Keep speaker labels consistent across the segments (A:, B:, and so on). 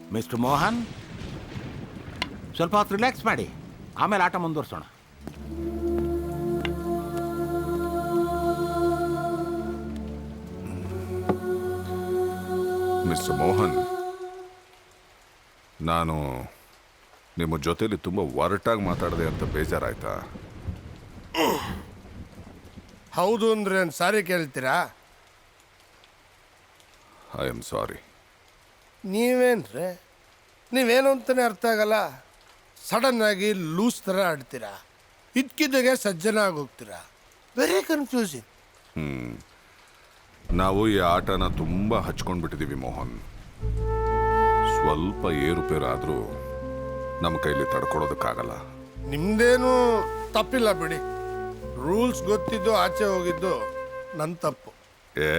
A: Mister Mohan, ಸ್ವಲ್ಪ ಹೊತ್ತು relax ಮಾಡಿ, ಆಮೇಲೆ ಆಟ ಮುಂದುವರ್ಸೋಣ.
B: ಮಿಸ್ಟರ್ ಮೋಹನ್, ನಾನು ನಿಮ್ಮ ಜೊತೆಲಿ ತುಂಬ ಒರಟಾಗಿ ಮಾತಾಡಿದೆ ಅಂತ ಬೇಜಾರಾಯ್ತಾ?
C: ಹೌದು ಅಂದ್ರೆ ಸಾರಿ ಕೇಳ್ತೀರಾ?
B: I am sorry.
C: ನೀವೇನ್ರೆ, ನೀವೇನು ಅಂತಲೇ ಅರ್ಥ ಆಗಲ್ಲ. ಸಡನ್ನಾಗಿ ಲೂಸ್ ಥರ ಆಡ್ತೀರಾ, ಇದ್ಕಿದ್ದಾಗೆ ಸಜ್ಜನ ಆಗೋಗ್ತೀರಾ. Very confusing.
B: ನಾವು ಈ ಆಟನ ತುಂಬ ಹಚ್ಕೊಂಡ್ಬಿಟ್ಟಿದ್ದೀವಿ ಮೋಹನ್. ಸ್ವಲ್ಪ ಏರುಪೇರಾದರೂ ನಮ್ಮ ಕೈಲಿ ತಡ್ಕೊಳೋದಕ್ಕಾಗಲ್ಲ.
C: ನಿಮ್ದೇನು ತಪ್ಪಿಲ್ಲ ಬಿಡಿ. ರೂಲ್ಸ್ ಗೊತ್ತಿದ್ದು ಆಚೆ ಹೋಗಿದ್ದು ನನ್ನ ತಪ್ಪು.
B: ಏ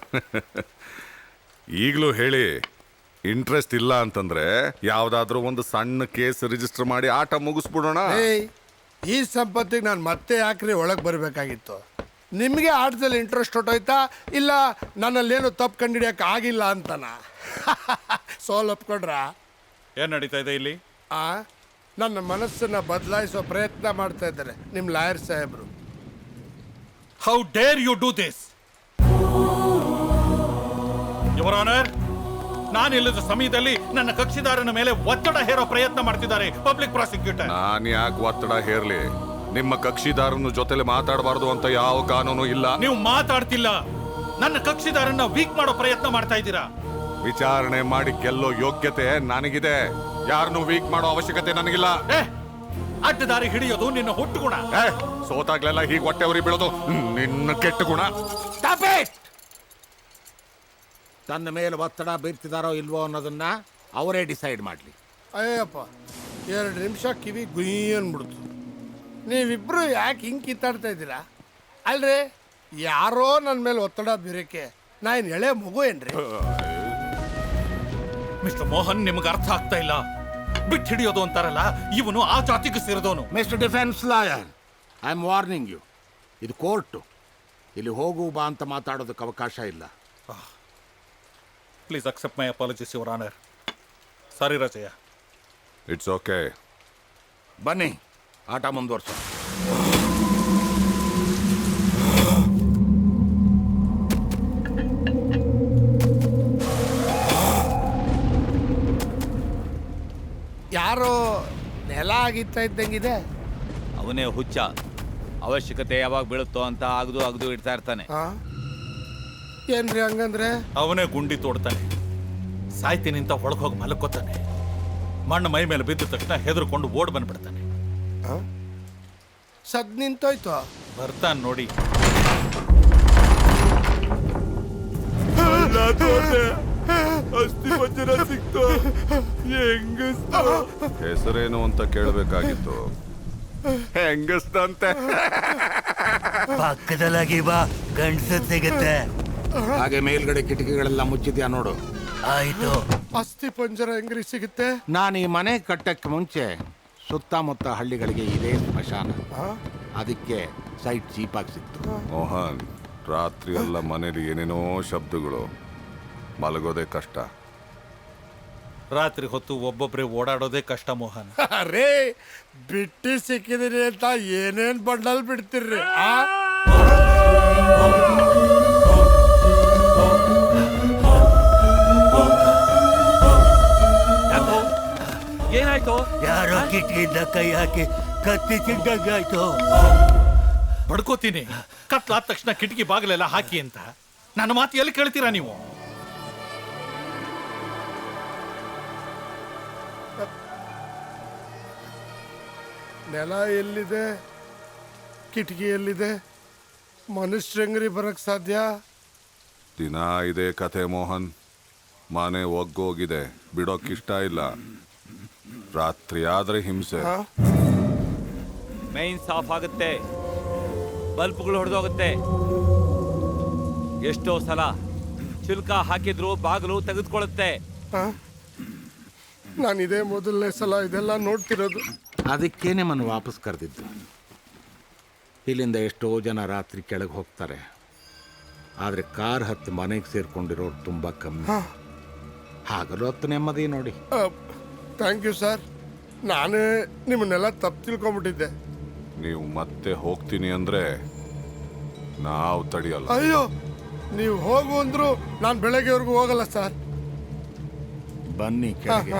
B: ಈಗಲೂ ಹೇಳಿ, ಇಂಟ್ರೆಸ್ಟ್ ಇಲ್ಲ ಅಂತಂದ್ರೆ ಯಾವುದಾದ್ರೂ ಒಂದು ಸಣ್ಣ ಕೇಸ್ ರಿಜಿಸ್ಟರ್ ಮಾಡಿ ಆಟ ಮುಗಿಸ್ಬಿಡೋಣ.
C: ಏಯ್, ಈ ಸಂಪತ್ತಿಗೆ ನಾನು ಮತ್ತೆ ಯಾಕ್ರಿ ಒಳಗೆ ಬರಬೇಕಾಗಿತ್ತು? ನಿಮಗೆ ಆಟದಲ್ಲಿ ಇಂಟ್ರೆಸ್ಟ್ ಹೊಟ್ಟೋಯ್ತಾ, ಇಲ್ಲ ನನ್ನಲ್ಲೇನು ತಪ್ಪು ಕಂಡಿಡಿಯೋಕೆ ಆಗಿಲ್ಲ ಅಂತನ? ಸೋಲ್ ಒಪ್ಕೊಂಡ್ರ?
D: ಏನು ನಡೀತಾ ಇದೆ ಇಲ್ಲಿ?
C: ನನ್ನ ಮನಸ್ಸನ್ನು ಬದಲಾಯಿಸೋ ಪ್ರಯತ್ನ ಮಾಡ್ತಾ ಇದ್ದಾರೆ ನಿಮ್ಮ ಲಾಯರ್ ಸಾಹೇಬರು.
D: How dare you do this? Your honour, ನಾನಿಲ್ಲದ ಸಮಯದಲ್ಲಿ ನನ್ನ ಕಕ್ಷಿದಾರನ ಮೇಲೆ ಒತ್ತಡ ಹೇರೋ ಪ್ರಯತ್ನ ಮಾಡ್ತಿದ್ದಾರೆ ಪಬ್ಲಿಕ್ ಪ್ರಾಸಿಕ್ಯೂಟರ್.
B: ನಾನು ಯಾಕೆ ಒತ್ತಡ ಹೇರ್ಲಿ? ನಿಮ್ಮ ಕಕ್ಷಿದಾರನ ಜೊತೆಲೆ ಮಾತಾಡಬಾರ್ದು ಅಂತ ಯಾವ ಕಾನೂನು ಇಲ್ಲ.
D: ನೀವು ಮಾತಾಡ್ತಿಲ್ಲ, ನನ್ನ ಕಕ್ಷಿದಾರನ್ನ ವೀಕ್ ಮಾಡೋ ಪ್ರಯತ್ನ ಮಾಡ್ತಾ ಇದ್ದೀರಾ.
B: ವಿಚಾರಣೆ ಮಾಡಿ ಗೆಲ್ಲೋ ಯೋಗ್ಯತೆ ನನಗಿದೆ, ಯಾರನ್ನು ವೀಕ್ ಮಾಡೋ ಅವಶ್ಯಕತೆ ನನಗಿಲ್ಲ.
D: ಅಡ್ಡದಾರಿ ಹಿಡಿಯೋದು ನಿನ್ನ ಹುಟ್ಟು ಗುಣ.
B: ಸೋತಾಗ್ಲೆಲ್ಲ ಹೀಗೆ ಹೊಟ್ಟೆ ಉರಿ ಬೀಳೋದು ನಿನ್ನ ಕೆಟ್ಟ ಗುಣ.
A: ತನ್ನ ಮೇಲೆ ಒತ್ತಡ ಬೀರ್ತಿದಾರೋ ಇಲ್ವೋ ಅನ್ನೋದನ್ನ ಅವರೇ ಡಿಸೈಡ್ ಮಾಡಲಿ.
C: ಅಯ್ಯಪ್ಪ, 2 ನಿಮಿಷ ಕಿವಿ ಗುಯ್ ಅಂದ್ಬಿಡ್ತು. ನೀವಿಬ್ರು ಯಾಕೆ ಹಿಂಗೆ ಕಿತ್ತಾಡ್ತಾ ಇದ್ದೀರಾ? ಅಲ್ರಿ, ಯಾರೋ ನನ್ನ ಮೇಲೆ ಒತ್ತಡ ಬೀರಕ್ಕೆ ನಾ ಏನು ಎಳೆ ಮಗು ಏನ್ರಿ?
D: ಮಿಸ್ಟರ್ ಮೋಹನ್, ನಿಮ್ಗೆ ಅರ್ಥ ಆಗ್ತಾ ಇಲ್ಲ. ಬಿಟ್ಟು ಹಿಡಿಯೋದು ಅಂತಾರಲ್ಲ, ಇವನು ಆ ಜಾತಿಗೆ ಸೇರಿದವನು.
A: Mister defence lawyer, I am warning you. ಇದು ಕೋರ್ಟು, ಇಲ್ಲಿ ಹೋಗು ಬಾ ಅಂತ ಮಾತಾಡೋದಕ್ಕೆ ಅವಕಾಶ ಇಲ್ಲ.
D: Please accept my apologies your honour. Sorry Rajayya.
B: It's okay.
A: ಬನ್ನಿ, ಆಟ ಮುಂದುವರ್ಸೋಣ.
C: ಯಾರೋ ನೆಲ ಆಗಿತ್ತಾ ಇದ್ದಂಗಿದೆ.
E: ಅವನೇ ಹುಚ್ಚ. ಅವಶ್ಯಕತೆ ಯಾವಾಗ ಬೀಳುತ್ತೋ ಅಂತ ಅಗದು ಇಡ್ತಾ ಇರ್ತಾನೆ.
C: ಏನ್ರಿ ಹಂಗಂದ್ರೆ?
D: ಅವನೇ ಗುಂಡಿ ತೋಡ್ತಾನೆ, ಸಾಯ್ತೀನಿ ಅಂತ ಒಳಗೆ ಹೋಗಿ ಮಲ್ಕೋತಾನೆ. ಮಣ್ಣು ಮೈ ಮೇಲೆ ಬಿದ್ದ ತಕ್ಷಣ ಹೆದರ್ಕೊಂಡು ಓಡ್ ಬಂದ್ಬಿಡ್ತಾನೆ.
C: ಸದ್ ನಿಂತೋಯ್ತು.
D: ಬರ್ತಾನೆ ನೋಡಿ.
B: ಅಸ್ಥಿ ಪಂಜರ ಸಿಕ್ತು. ಹೆಸರೇನು ಅಂತ ಕೇಳಬೇಕಾಗಿತ್ತು. ಹೆಂಗಸ್ತಂತೆ.
F: ಪಕ್ಕದಲ್ಲಾಗಿ ಬಾ, ಗಂಡಸ ಸಿಗತ್ತೆ.
A: ಹಾಗೆ ಮೇಲ್ಗಡೆ ಕಿಟಕಿಗಳೆಲ್ಲ ಮುಚ್ಚಿದ್ಯಾ ನೋಡು.
F: ಆಯ್ತು.
C: ಅಸ್ಥಿ ಪಂಜರ ಹೆಂಗ್ರಿ ಸಿಗುತ್ತೆ?
A: ನಾನು ಈ ಮನೆ ಕಟ್ಟಕ್ಕೆ ಮುಂಚೆ ಸುತ್ತಮುತ್ತ ಹಳ್ಳಿಗಳಿಗೆ ಇದೇ ಸ್ಮಶಾನ, ಅದಕ್ಕೆ ಸೈಟ್ ಚೀಪಾಗಿ ಸಿಕ್ತು.
B: ಮೋಹನ್, ರಾತ್ರಿ ಎಲ್ಲ ಮನೇಲಿ ಏನೇನೋ ಶಬ್ದಗಳು, ಮಲಗೋದೇ ಕಷ್ಟ.
D: ರಾತ್ರಿ ಹೊತ್ತು ಒಬ್ಬೊಬ್ಬರೇ ಓಡಾಡೋದೇ ಕಷ್ಟ ಮೋಹನ್.
C: ಅರೇ, ಬಿಟ್ಟಿ ಸಿಕ್ಕಿದಿರಿ ಅಂತ ಏನೇನ್ ಬಂಡಲ್ ಬಿಡ್ತಿರ್ರಿ?
D: ಏನಾಯ್ತು?
F: ಯಾರೋ ಕಿಟಕಿಯಿಂದ ಕೈ ಹಾಕಿ ಕತ್ತಿ ತಿಂದಂಗಾಯ್ತು.
D: ಬಡ್ಕೋತೀನಿ, ಕತ್ಲಾದ ತಕ್ಷಣ ಕಿಟಕಿ ಬಾಗಿಲೆಲ್ಲ ಹಾಕಿ ಅಂತ. ನನ್ನ ಮಾತು ಎಲ್ಲಿ ಕೇಳ್ತೀರಾ ನೀವು?
C: ನೆಲ ಎಲ್ಲಿದೆ, ಕಿಟಕಿ ಎಲ್ಲಿದೆ? ಮನುಷ್ಯಂಗ್ರಿ ಬರಕ್ ಸಾಧ್ಯ?
B: ದಿನ ಇದೇ ಕಥೆ ಮೋಹನ್. ಮನೆ ಒಗ್ಗೋಗಿದೆ, ಬಿಡೋಕ್ಕಿಷ್ಟ ಇಲ್ಲ. ರಾತ್ರಿ ಆದ್ರೆ ಹಿಂಸೆ.
E: ಮೈನ್ಸ್ ಆಫ್ ಆಗುತ್ತೆ, ಬಲ್ಬ್ಗಳು ಹೊಡೆದೋಗುತ್ತೆ. ಎಷ್ಟೋ ಸಲ ಚಿಲ್ಕ ಹಾಕಿದ್ರು ಬಾಗಿಲು ತೆಗೆದುಕೊಳ್ಳುತ್ತೆ.
C: ನಾನು ಇದೇ ಮೊದಲನೇ ಸಲ ಇದೆಲ್ಲ ನೋಡ್ತಿರೋದು.
A: ಅದಕ್ಕೆ ನಿಮ್ಮನ್ನು ವಾಪಸ್ ಕರೆದಿದ್ದು. ಇಲ್ಲಿಂದ ಎಷ್ಟೋ ಜನ ರಾತ್ರಿ ಕೆಳಗೆ ಹೋಗ್ತಾರೆ, ಆದರೆ ಕಾರ್ ಹತ್ತು ಮನೆಗೆ ಸೇರ್ಕೊಂಡಿರೋರು ತುಂಬ ಕಮ್ಮಿ. ಹಗಲು ಹೊತ್ತು ನೆಮ್ಮದಿ ನೋಡಿ.
C: Thank you sir. ನಾನೇ ನಿಮ್ಮನ್ನೆಲ್ಲ ತಪ್ಪು ತಿಳ್ಕೊಂಬಿಟ್ಟಿದ್ದೆ.
B: ನೀವು ಮತ್ತೆ ಹೋಗ್ತೀನಿ ಅಂದ್ರೆ ನಾವು ತಡೆಯಲ್ಲ.
C: ಅಯ್ಯೋ, ನೀವು ಹೋಗು ಅಂದ್ರು ನಾನು ಬೆಳಗ್ಗೆವರೆಗೂ ಹೋಗಲ್ಲ ಸರ್.
A: ಬನ್ನಿ ಕೆಳಗೆ.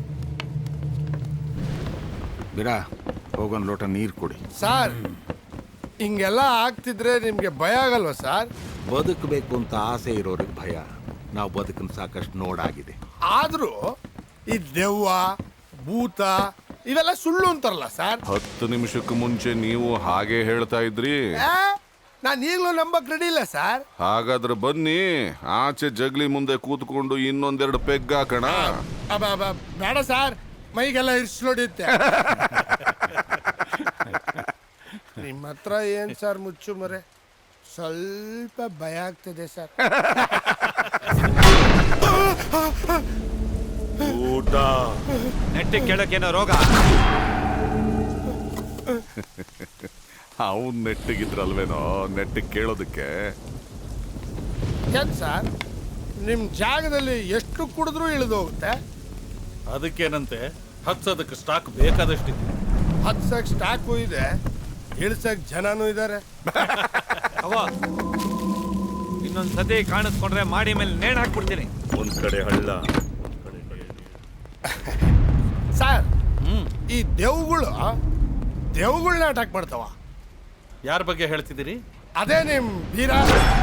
A: ಬಿಡ, ಹೋಗೊಂದು ಲೋಟ ನೀರು ಕೊಡಿ.
C: ಸರ್, ಹಿಂಗೆಲ್ಲ ಆಗ್ತಿದ್ರೆ ನಿಮ್ಗೆ ಭಯ ಆಗಲ್ವಾ ಸರ್?
A: ಬದುಕಬೇಕು ಅಂತ ಆಸೆ ಇರೋರಿಗೆ ಭಯ. ನಾವು ಬದುಕನ್ನು ಸಾಕಷ್ಟು ನೋಡಾಗಿದೆ.
C: ಆದ್ರೂ ಈ ದೆವ್ವ ಭೂತ ಇವೆಲ್ಲ ಸುಳ್ಳು ಅಂತಾರಲ್ಲ ಸರ್.
B: 10 ನಿಮಿಷಕ್ಕೆ ಮುಂಚೆ ನೀವು ಹಾಗೆ ಹೇಳ್ತಾ ಇದ್ರಿ.
C: ನಾನು ಈಗಲೂ ನಂಬಕ್ ರೆಡಿ ಇಲ್ಲ ಸರ್.
B: ಹಾಗಾದ್ರೆ ಬನ್ನಿ, ಆಚೆ ಜಗ್ಲಿ ಮುಂದೆ ಕೂತ್ಕೊಂಡು ಇನ್ನೊಂದೆರಡು ಪೆಗ್ ಹಾಕೋಣ.
C: ಬೇಡ ಸರ್, ಮೈಗೆಲ್ಲ ಇರ್ಸ್ಲೊಡಿಯುತ್ತೆ. ನಿಮ್ಮ ಹತ್ರ ಏನ್ ಸರ್ ಮುಚ್ಚು ಮರೆ? ಸ್ವಲ್ಪ ಭಯ ಆಗ್ತದೆ ಸರ್.
D: ಊಟ
E: ನೆಟ್ಟಿಗೆ ಕೇಳೋಕೇನೋ ರೋಗ?
B: ಅವನ್ ನೆಟ್ಟಿಗಿದ್ರಲ್ವೇನೋ ನೆಟ್ಟಿಗೆ ಕೇಳೋದಕ್ಕೆ.
C: ಏನ್ ಸರ್, ನಿಮ್ ಜಾಗದಲ್ಲಿ ಎಷ್ಟು ಕುಡಿದ್ರೂ ಇಳಿದು ಹೋಗುತ್ತೆ.
D: ಅದಕ್ಕೇನಂತೆ, ಹತ್ಸೋದಕ್ಕೆ ಸ್ಟಾಕ್ ಬೇಕಾದಷ್ಟಿದೆ.
C: ಹತ್ಸಕ್ ಸ್ಟಾಕು ಇದೆ, ಇಳ್ಸಕ್ ಜನನೂ ಇದ್ದಾರೆ.
E: ಅವ್ವ, ಇನ್ನೊಂದ್ ಸತಿ ಕಾಣಿಸ್ಕೊಂಡ್ರೆ ಮಾಡಿ ಮೇಲೆ ನೇಣ್ ಹಾಕ್ಬಿಡ್ತೀನಿ.
F: ಒಂದ್ ಕಡೆ ಹಳ್ಳ.
C: ಸರ್, ಈ ದೇವುಗಳನ್ನ ಅಟ್ಯಾಕ್ ಮಾಡ್ತಾವ.
D: ಯಾರ ಬಗ್ಗೆ ಹೇಳ್ತಿದ್ದೀರಿ?
C: ಅದೇ ನಿಮ್ ಬೀರ.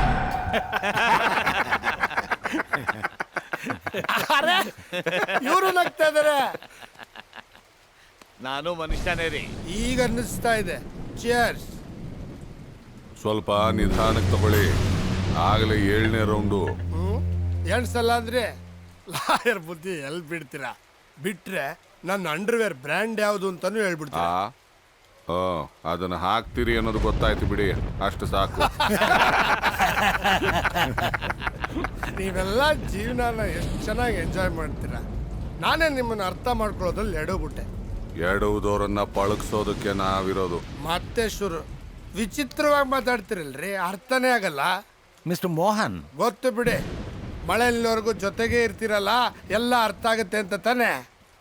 C: ಇವರು ನಗ್ತಾ ಇದಾರೆ.
E: ನಾನು ಮನುಷ್ಯನೇ ರೀ.
C: ಈಗ ಅನ್ನಿಸ್ತಾ ಇದೆ. ಚಿಯರ್ಸ್.
B: ಸ್ವಲ್ಪ ನಿಧಾನಕ್ಕೆ ತಗೊಳ್ಳಿ, ಆಗಲೇ 7ನೇ ರೌಂಡು.
C: ಎಣ್ಸಲ್ಲ ಅಂದ್ರೆ ಲಾಯರ್ ಬುದ್ಧಿ ಎಲ್ಲಿ ಬಿಡ್ತೀರಾ? ಬಿಟ್ರೆ ನನ್ನ ಅಂಡರ್ವೇರ್ ಬ್ರ್ಯಾಂಡ್ ಯಾವುದು ಅಂತಾನು ಹೇಳ್ಬಿಡ್ತೀರಾ.
B: ಅದನ್ನ ಹಾಕ್ತೀರಿ ಅನ್ನೋದು ಗೊತ್ತಾಯ್ತು ಬಿಡಿ, ಅಷ್ಟು ಸಾಕು.
C: ನೀವೆಲ್ಲ ಜೀವನನ ಎಷ್ಟು ಚೆನ್ನಾಗಿ ಎಂಜಾಯ್ ಮಾಡ್ತೀರಾ. ನಾನೇ ನಿಮ್ಮನ್ನ ಅರ್ಥ ಮಾಡ್ಕೊಳ್ಳೋದ್ರಲ್ಲಿ ಎಡೋಗ್ಬಿಟ್ಟೆ.
B: ಎಡುವುದವರನ್ನ ಪಳಗಿಸೋದಕ್ಕೆ ನಾವಿರೋದು.
C: ಮತ್ತೆ ಶುರು ವಿಚಿತ್ರವಾಗಿ ಮಾತಾಡ್ತಿರಲ್ರಿ, ಅರ್ಥನೇ ಆಗಲ್ಲ.
A: ಮಿಸ್ಟರ್ ಮೋಹನ್,
C: ಗೊತ್ತು ಬಿಡಿ, ಮಳೆಯಲ್ಲಿವರೆಗೂ ಜೊತೆಗೆ ಇರ್ತೀರಲ್ಲ, ಎಲ್ಲ ಅರ್ಥ ಆಗುತ್ತೆ ಅಂತ ತಾನೆ.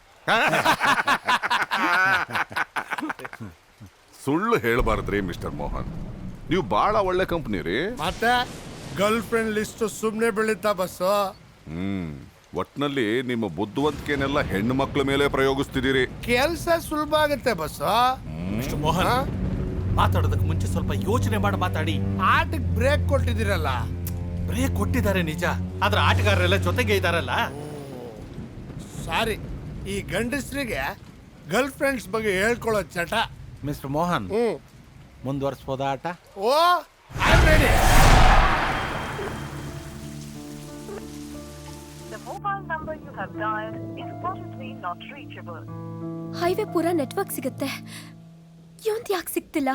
B: ಸುಳ್ಳು ಹೇಳಬಾರ್ದ್ರಿ ಮಿಸ್ಟರ್ ಮೋಹನ್, ನೀವು ಬಹಳ ಒಳ್ಳೆ ಕಂಪ್ನಿ ರೀ.
C: ಮತ್ತೆ ಗರ್ಲ್ ಫ್ರೆಂಡ್ ಲಿಸ್ಟ್ ಸುಮ್ಮನೆ ಬೆಳೀತಾ ಬಸ್ಸು.
B: ಒಟ್ನಲ್ಲಿ ನಿಮ್ಮ ಬುದ್ಧಿವಂತಿಕೆನೆಲ್ಲ ಹೆಣ್ಣು ಮಕ್ಕಳ ಮೇಲೆ ಪ್ರಯೋಗಿಸ್ತಿದ್ದೀರಿ.
C: ಕೆಲ್ಸ ಸುಲಭ ಆಗುತ್ತೆ ಬಸ್ಸು.
D: ಮಿಸ್ಟರ್ ಮೋಹನ್, ಮಾತಾಡೋದಕ್ಕೆ ಮುಂಚೆ ಸ್ವಲ್ಪ ಯೋಚನೆ ಮಾಡಿ ಮಾತಾಡಿ.
C: ಆಟಕ್ಕೆ ಬ್ರೇಕ್ ಕೊಟ್ಟಿದ್ದೀರಲ್ಲ.
D: ಬ್ರೇಕ್ ಕೊಟ್ಟಿದ್ದಾರೆ ನಿಜ, ಆದ್ರೆ ಆಟಗಾರರೆಲ್ಲ ಜೊತೆಗೆ ಇದಾರಲ್ಲ.
C: ಸಾರಿ, ಈ ಗಂಡಸ್ರಿಗೆ ಗರ್ಲ್ ಫ್ರೆಂಡ್ಸ್ ಬಗ್ಗೆ ಹೇಳ್ಕೊಳ್ಳೋ ಚಟ.
A: ಮಿಸ್ಟರ್ ಮೋಹನ್, ಮುಂದುವರಿಸ್ಬೋದಾ ಆಟ?
C: Oh, I am ready.
G: The mobile number you have dialed is currently not reachable.
H: Highway ಪೂರ ನೆಟ್ವರ್ಕ್ ಸಿಗುತ್ತೆ, ಇವಂತ ಯಾಕೆ ಸಿಗ್ತಿಲ್ಲ?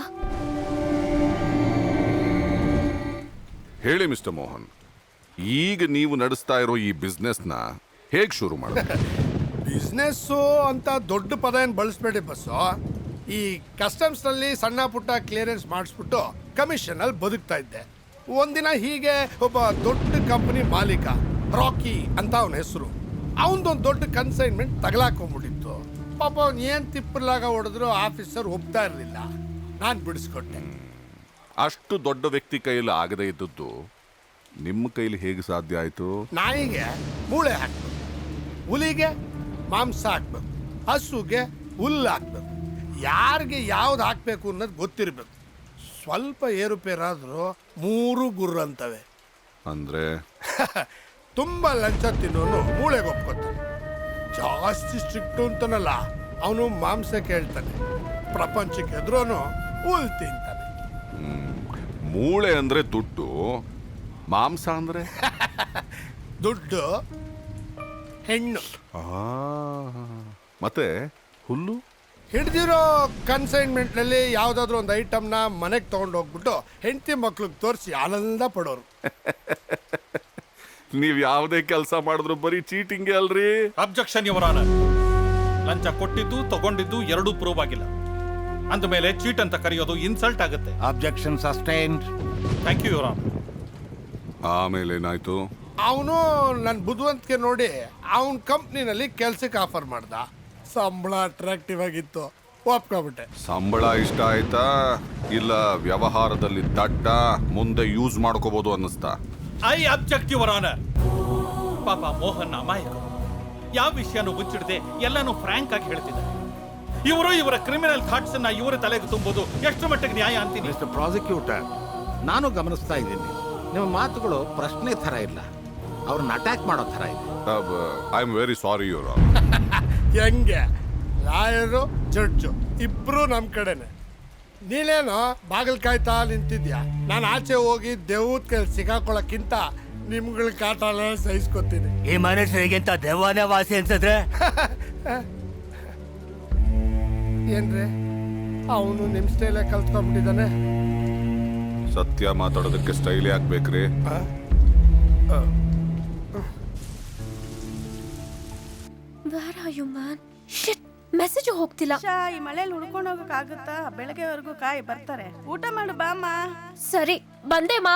B: ಹೇಳಿ ಮಿಸ್ಟರ್ ಮೋಹನ್, ಈಗ ನೀವು ನಡೆಸ್ತಾ ಇರೋ ಈ ಬಿಸ್ನೆಸ್ನ ಹೇಗೆ ಶುರು ಮಾಡೋದು?
C: ಬಿಸ್ನೆಸ್ಸು ಅಂತ ದೊಡ್ಡ ಪದ ಏನು ಬಳಸ್ಬೇಡಿ ಬಸ್ಸು. ಈ ಕಸ್ಟಮ್ಸ್ನಲ್ಲಿ ಸಣ್ಣ ಪುಟ್ಟ ಕ್ಲಿಯರೆನ್ಸ್ ಮಾಡಿಸ್ಬಿಟ್ಟು ಕಮಿಷನಲ್ಲಿ ಬದುಕ್ತಾ ಇದ್ದೆ. ಒಂದಿನ ಹೀಗೆ ಒಬ್ಬ ದೊಡ್ಡ ಕಂಪನಿ ಮಾಲೀಕ, ರಾಕಿ ಅಂತ ಅವನ ಹೆಸರು, ಅವನದೊಂದು ದೊಡ್ಡ ಕನ್ಸೈನ್ಮೆಂಟ್ ತಗಲಾಕೊಂಡ್ಬಿಟ್ಟಿತ್ತು. ಪಾಪ ಅವ್ನು ಏನು ತಿಪ್ಪಲಾಗ ಹೊಡೆದ್ರು ಆಫೀಸರ್ ಒಪ್ತಾ ಇರಲಿಲ್ಲ. ನಾನು ಬಿಡಿಸ್ಕೊಟ್ಟೆ.
B: ಅಷ್ಟು ದೊಡ್ಡ ವ್ಯಕ್ತಿ ಕೈಯಲ್ಲಿ ಆಗದೇ ಇದ್ದದ್ದು ನಿಮ್ಮ ಕೈಲಿ ಹೇಗೆ ಸಾಧ್ಯ ಆಯ್ತು?
C: ನಾಯಿಗೆ ಮೂಳೆ ಹಾಕ್ಬೇಕು, ಹುಲಿಗೆ ಮಾಂಸ ಹಾಕ್ಬೇಕು, ಹಸುಗೆ ಹುಲ್ಲು ಹಾಕ್ಬೇಕು. ಯಾರಿಗೆ ಯಾವ್ದು ಹಾಕ್ಬೇಕು ಅನ್ನೋದು ಗೊತ್ತಿರಬೇಕು. ಸ್ವಲ್ಪ ಏರುಪೇರಾದರೂ 3 ಗುರ್ರ ಅಂತವೆ.
B: ಅಂದ್ರೆ
C: ತುಂಬ ಲಂಚ ತಿನ್ನೋನು ಮೂಳೆಗೆ ಒಪ್ಕೊತಾನೆ. ಜಾಸ್ತಿ ಸ್ಟ್ರಿಕ್ಟು ಅಂತನಲ್ಲ, ಅವನು ಮಾಂಸ ಕೇಳ್ತಾನೆ. ಪ್ರಪಂಚಕ್ಕೆ ಎದುರೋನು ಹುಲ್ ತಿಂತಾನೆ.
B: ಮೂಳೆ ಅಂದ್ರೆ ದುಡ್ಡು, ಮಾಂಸ ಅಂದ್ರೆ
C: ದುಡ್ಡು, ಹೆಣ್ಣು.
B: ಮತ್ತೆ ಹುಲ್ಲು?
C: ಹಿಡ್ದಿರೋ ಕನ್ಸೈನ್ಮೆಂಟ್ನಲ್ಲಿ ಯಾವುದಾದ್ರೂ ಒಂದು ಐಟಮ್ನ ಮನೆಗೆ ತೊಗೊಂಡು ಹೋಗ್ಬಿಟ್ಟು ಹೆಂಡತಿ ಮಕ್ಳಿಗೆ ತೋರಿಸಿ ಆನಂದ ಪಡೋರು.
B: ನೀವು ಯಾವುದೇ ಕೆಲಸ ಮಾಡಿದ್ರು ಬರೀ ಚೀಟಿಂಗೇ ಅಲ್ರಿ.
D: Objection your honour. ಲಂಚ ಕೊಟ್ಟಿದ್ದು ತಗೊಂಡಿದ್ದು ಎರಡೂ ಪ್ರೂವ್ ಆಗಿಲ್ಲ. ಅಂದಮೇಲೆ ಚೀಟ್ ಅಂತ ಕರೆಯೋದು ಇನ್ಸಲ್ಟ್ ಆಗುತ್ತೆ.
A: Objection sustained.
D: Thank you your honour.
B: ಆಮೇಲೆ ಏನಾಯ್ತು?
C: ಅವನು ನನ್ನ ಬುದ್ಧಿವಂತಿಕೆ ನೋಡಿ ಅವನ ಕಂಪ್ನಿನಲ್ಲಿ ಕೆಲ್ಸಕ್ಕೆ ಆಫರ್ ಮಾಡ್ದ. ಸಂಬಳ ಅಟ್ರಾಕ್ಟಿವ್ ಆಗಿತ್ತು, ಒಪ್ಕೊಬಿಟ್ಟೆ.
B: ಸಂಬಳ ಇಷ್ಟ ಆಯ್ತಾ ಇಲ್ಲ ವ್ಯವಹಾರದಲ್ಲಿ ದಡ್ಡ ಮುಂದೆ ಯೂಸ್ ಮಾಡ್ಕೋಬಹುದು ಅನ್ನಿಸ್ತಾ?
D: I object your honour. ಪಾಪ ಮೋಹನ್ ಅಮಾಯಕ, ಯಾವ ವಿಷಯನೂ ಮುಚ್ಚಿಡದೆ ಎಲ್ಲಾನು ಫ್ರಾಂಕ್ ಆಗಿ ಹೇಳ್ತಿದ್ದಾರೆ. ಇವರು ಇವರ ಕ್ರಿಮಿನಲ್ ಥಾಟ್ಸ್ ಅನ್ನ ಇವರ ತಲೆಗೆ ತುಂಬೋದು ಎಷ್ಟು ಮಟ್ಟಿಗೆ ನ್ಯಾಯ ಅಂತೀನಿ.
A: ಮಿಸ್ಟರ್ ಪ್ರಾಸಿಕ್ಯೂಟರ್, ನಾನು ಗಮನಿಸ್ತಾ ಇದ್ದೀನಿ, ನಿಮ್ಮ ಮಾತುಗಳು ಪ್ರಶ್ನೆ ಥರ ಇಲ್ಲ, ಅವ್ರನ್ನ ಅಟ್ಯಾಕ್ ಮಾಡೋ ಥರ ಇದೆ.
B: I am very sorry your
C: ಹೆಂಗೆ ಲಾಯರು ಜಡ್ಜು ಇಬ್ರು ನಮ್ಮ ಕಡೆನೆ. ನೀನೇನೋ ಬಾಗಿಲು ಕಾಯ್ತಾ ನಿಂತಿದ್ಯಾ. ನಾನು ಆಚೆ ಹೋಗಿ ದೇವದ ಕೈಲಿ ಸಿಕ್ಕಾಕೊಳ್ಳೋಕ್ಕಿಂತ ನಿಮ್ಗಳ ಕಾಟನ ಸಹಿಸ್ಕೊತೀನಿ.
F: ಈ ಮನುಷ್ಯರಿಗಿಂತ ದೆವ್ವನೇ ವಾಸಿ ಅನ್ಸಿದ್ರೆ
C: ಏನ್ರಿ ಅವನು ನಿಮ್ಮ ಸ್ಟೈಲೇ ಕಲ್ತ್ಕೊಂಡ್ಬಿಟ್ಟಿದ್ದಾನೆ.
B: ಸತ್ಯ ಮಾತಾಡೋದಕ್ಕೆ ಸ್ಟೈಲ್ ಯಾಕೆ ಬೇಕ್ರಿ?
H: Where are you, man? Shit, message ಹೋಗ್ತಿಲ್ಲ.
I: ಈ ಮಳೆಯಲ್ಲಿ ಉಳ್ಕೊಂಡು ಹೋಗಕ್ಕಾಗುತ್ತಾ? ಬೆಳಗ್ಗೆವರೆಗೂ ಕಾಯಿ ಬರ್ತಾರೆ. ಊಟ ಮಾಡು ಬಾಮ್ಮ.
H: ಸರಿ, ಬಂದೆ ಮಾ.